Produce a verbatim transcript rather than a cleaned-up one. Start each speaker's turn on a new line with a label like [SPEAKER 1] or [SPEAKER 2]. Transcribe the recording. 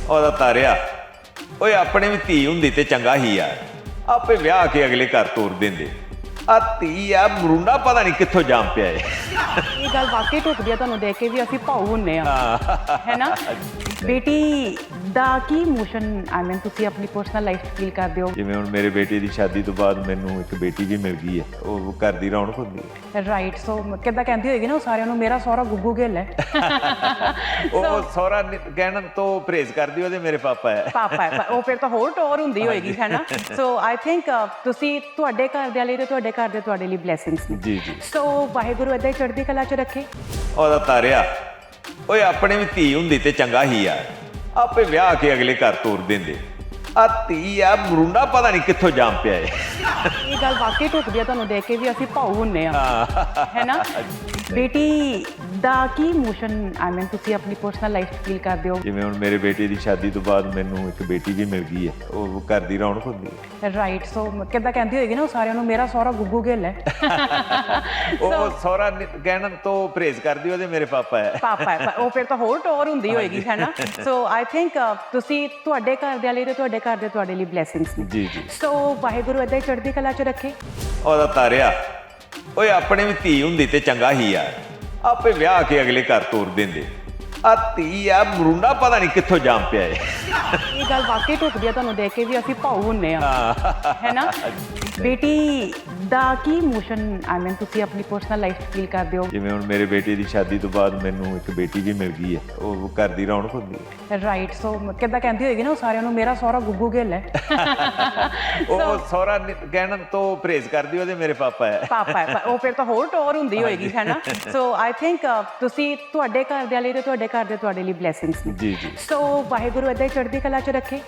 [SPEAKER 1] ਉਹਦਾ ਤਾਰਿਆ ਓਏ ਆਪਣੇ ਵੀ ਧੀ ਹੁੰਦੀ ਤੇ ਚੰਗਾ ਹੀ ਯਾਰ, ਆਪੇ ਵਿਆਹ ਕੇ ਅਗਲੇ ਘਰ ਤੋਰ ਦਿੰਦੇ। ਆ ਧੀ ਆ ਮਰੂੰਡਾ ਪਤਾ ਨਹੀਂ ਕਿੱਥੋਂ ਜਾਮ ਪਿਆ ਏ।
[SPEAKER 2] ਇਹ ਗੱਲ ਵਾਕਈ ਢੁਕਦੀ ਆ ਤੁਹਾਨੂੰ ਦੇਖ ਕੇ ਵੀ ਅਸੀਂ ਭਾਊ ਹੁੰਨੇ ਆ, ਹੈ ਨਾ। ਬੇਟੀ ਦਾ ਕੀ ਇਮੋਸ਼ਨ ਆਈ ਮੀਨ ਤੁਸੀਂ ਆਪਣੀ ਪਰਸਨਲ ਲਾਈਫ ਫੀਲ ਕਰਦੇ ਹੋ?
[SPEAKER 1] ਜਿਵੇਂ ਹੁਣ ਮੇਰੇ ਬੇਟੇ ਦੀ ਸ਼ਾਦੀ ਤੋਂ ਬਾਅਦ ਮੈਨੂੰ ਇੱਕ ਬੇਟੀ ਵੀ ਮਿਲ ਗਈ ਹੈ, ਉਹ ਘਰ ਦੀ ਰੌਣਕ ਹੁੰਦੀ ਹੈ।
[SPEAKER 2] ਰਾਈਟ, ਸੋ ਕਿੱਦਾਂ ਕਹਿੰਦੀ ਹੋਏਗੀ ਨਾ ਉਹ ਸਾਰਿਆਂ ਨੂੰ, ਮੇਰਾ ਸਹੁਰਾ ਗੁੱਗੂ ਗਿੱਲ ਹੈ।
[SPEAKER 1] ਉਹ ਸਹੁਰਾ ਕਹਿਣ ਤੋਂ ਪਰਹੇਜ਼ ਕਰਦੀ, ਉਹਦੇ ਮੇਰੇ ਪਾਪਾ ਹੈ।
[SPEAKER 2] ਪਾਪਾ ਹੈ, ਉਹ ਫਿਰ ਤਾਂ ਹੋਰ ਟੋਰ ਹੁੰਦੀ ਹੋਏਗੀ, ਹੈ ਨਾ। ਸੋ ਆਈ ਥਿੰਕ ਤੁਸੀਂ ਤੁਹਾਡੇ ਘਰ ਦੇ ਲਈ ਤੇ ਤੁਹਾਡੇ ਘਰ ਦੇ ਤੁਹਾਡੇ ਲਈ ਬਲੇਸਿੰਗਸ ਨੇ।
[SPEAKER 1] ਜੀ ਜੀ।
[SPEAKER 2] ਸੋ ਵਾਹਿਗੁਰੂ ਏਦਾਂ ਹੀ ਚੜ੍ਹਦੀ ਕਲਾ 'ਚ ਰੱਖੇ।
[SPEAKER 1] ਉਹਦਾ ਤਾਰਿਆ ਓਏ ਆਪਣੇ ਵੀ ਧੀ ਹੁੰਦੀ ਤੇ ਚੰਗਾ ਹੀ ਯਾਰ, ਆਪੇ ਵਿਆਹ ਕੇ ਅਗਲੇ ਘਰ ਤੋਰ ਦਿੰਦੇ। ਆ ਧੀ ਆ ਮਰੂੰਡਾ ਪਤਾ ਨਹੀਂ ਕਿੱਥੋਂ ਜਾਮ ਪਿਆ ਏ।
[SPEAKER 2] ਇਹ ਗੱਲ ਵਾਕਈ ਢੁਕਦੀ ਆ ਤੁਹਾਨੂੰ ਦੇਖ ਕੇ ਵੀ ਅਸੀਂ ਭਾਊ ਹੁੰਨੇ ਆ, ਹੈ ਨਾ। ਬੇਟੀ ਦਾ ਕੀ ਇਮੋਸ਼ਨ ਆਈ ਮੀਨ ਤੁਸੀਂ ਆਪਣੀ ਪਰਸਨਲ ਲਾਈਫ ਫੀਲ ਕਰਦੇ ਹੋ?
[SPEAKER 1] ਜਿਵੇਂ ਹੁਣ ਮੇਰੇ ਬੇਟੇ ਦੀ ਸ਼ਾਦੀ ਤੋਂ ਬਾਅਦ ਮੈਨੂੰ ਇੱਕ ਬੇਟੀ ਵੀ ਮਿਲ ਗਈ ਹੈ, ਉਹ ਘਰ ਦੀ ਰੌਣਕ ਹੁੰਦੀ ਹੈ।
[SPEAKER 2] ਰਾਈਟ, ਸੋ ਕਿੱਦਾਂ ਕਹਿੰਦੀ ਹੋਏਗੀ ਨਾ ਉਹ ਸਾਰਿਆਂ ਨੂੰ, ਮੇਰਾ ਸਹੁਰਾ ਗੁੱਗੂ ਗਿੱਲ ਹੈ।
[SPEAKER 1] ਉਹ ਸਹੁਰਾ ਕਹਿਣ ਤੋਂ ਪਰਹੇਜ਼ ਕਰਦੀ, ਉਹਦੇ ਮੇਰੇ ਪਾਪਾ ਹੈ।
[SPEAKER 2] ਪਾਪਾ ਹੈ, ਉਹ ਫਿਰ ਤਾਂ ਹੋਰ ਟੋਰ ਹੁੰਦੀ ਹੋਏਗੀ, ਹੈ ਨਾ। ਸੋ ਆਈ ਥਿੰਕ ਤੁਸੀਂ ਤੁਹਾਡੇ ਘਰ ਦੇ ਲਈ ਤੇ ਤੁਹਾਡੇ ਘਰ ਦੇ ਤੁਹਾਡੇ ਲਈ ਬਲੇਸਿੰਗਸ ਨੇ।
[SPEAKER 1] ਜੀ ਜੀ।
[SPEAKER 2] ਸੋ ਵਾਹਿਗੁਰੂ ਏਦਾਂ ਹੀ ਚੜ੍ਹਦੀ ਕਲਾ 'ਚ ਰੱਖੇ।
[SPEAKER 1] ਉਹਦਾ ਤਾਰਿਆ ਓਏ ਆਪਣੇ ਵੀ ਧੀ ਹੁੰਦੀ ਤੇ ਚੰਗਾ ਹੀ ਯਾਰ, ਆਪੇ ਵਿਆਹ ਕੇ ਅਗਲੇ ਘਰ ਤੋਰ ਦਿੰਦੇ। ਆ ਧੀ ਆ ਮਰੂੰਡਾ ਪਤਾ ਨਹੀਂ ਕਿੱਥੋਂ ਜਾਮ ਪਿਆ ਏ।
[SPEAKER 2] ਇਹ ਗੱਲ ਵਾਕਈ ਢੁਕਦੀ ਆ ਤੁਹਾਨੂੰ ਦੇਖ ਕੇ ਵੀ ਅਸੀਂ ਭਾਊ ਹੁੰਨੇ ਆ, ਹੈ ਨਾ। ਬੇਟੀ ਦਾ ਕੀ ਇਮੋਸ਼ਨ ਆਈ ਮੀਨ ਤੁਸੀਂ ਆਪਣੀ ਪਰਸਨਲ ਲਾਈਫ ਫੀਲ ਕਰਦੇ ਹੋ?
[SPEAKER 1] ਜਿਵੇਂ ਹੁਣ ਮੇਰੇ ਬੇਟੇ ਦੀ ਸ਼ਾਦੀ ਤੋਂ ਬਾਅਦ ਮੈਨੂੰ ਇੱਕ ਬੇਟੀ ਵੀ ਮਿਲ ਗਈ ਹੈ, ਉਹ ਘਰ ਦੀ ਰੌਣਕ ਹੁੰਦੀ ਹੈ।
[SPEAKER 2] ਰਾਈਟ, ਸੋ ਕਿੱਦਾਂ ਕਹਿੰਦੀ ਹੋਏਗੀ ਨਾ ਉਹ ਸਾਰਿਆਂ ਨੂੰ, ਮੇਰਾ ਸਹੁਰਾ ਗੁੱਗੂ ਗਿੱਲ ਹੈ।
[SPEAKER 1] ਉਹ ਸਹੁਰਾ ਕਹਿਣ ਤੋਂ ਪਰਹੇਜ਼ ਕਰਦੀ, ਉਹਦੇ ਮੇਰੇ ਪਾਪਾ ਹੈ।
[SPEAKER 2] ਪਾਪਾ ਹੈ, ਉਹ ਫਿਰ ਤਾਂ ਹੋਰ ਟੋਰ ਹੁੰਦੀ ਹੋਏਗੀ, ਹੈ ਨਾ। ਸੋ ਆਈ ਥਿੰਕ ਤੁਸੀਂ ਤੁਹਾਡੇ ਘਰ ਦੇ ਲਈ ਤੇ ਤੁਹਾਡੇ ਘਰ ਦੇ ਤੁਹਾਡੇ ਲਈ ਬਲੇਸਿੰਗਸ ਨੇ।
[SPEAKER 1] ਜੀ ਜੀ।
[SPEAKER 2] ਸੋ ਵਾਹਿਗੁਰੂ ਏਦਾਂ ਹੀ ਚੜ੍ਹਦੀ ਕਲਾ 'ਚ ਰੱਖੇ।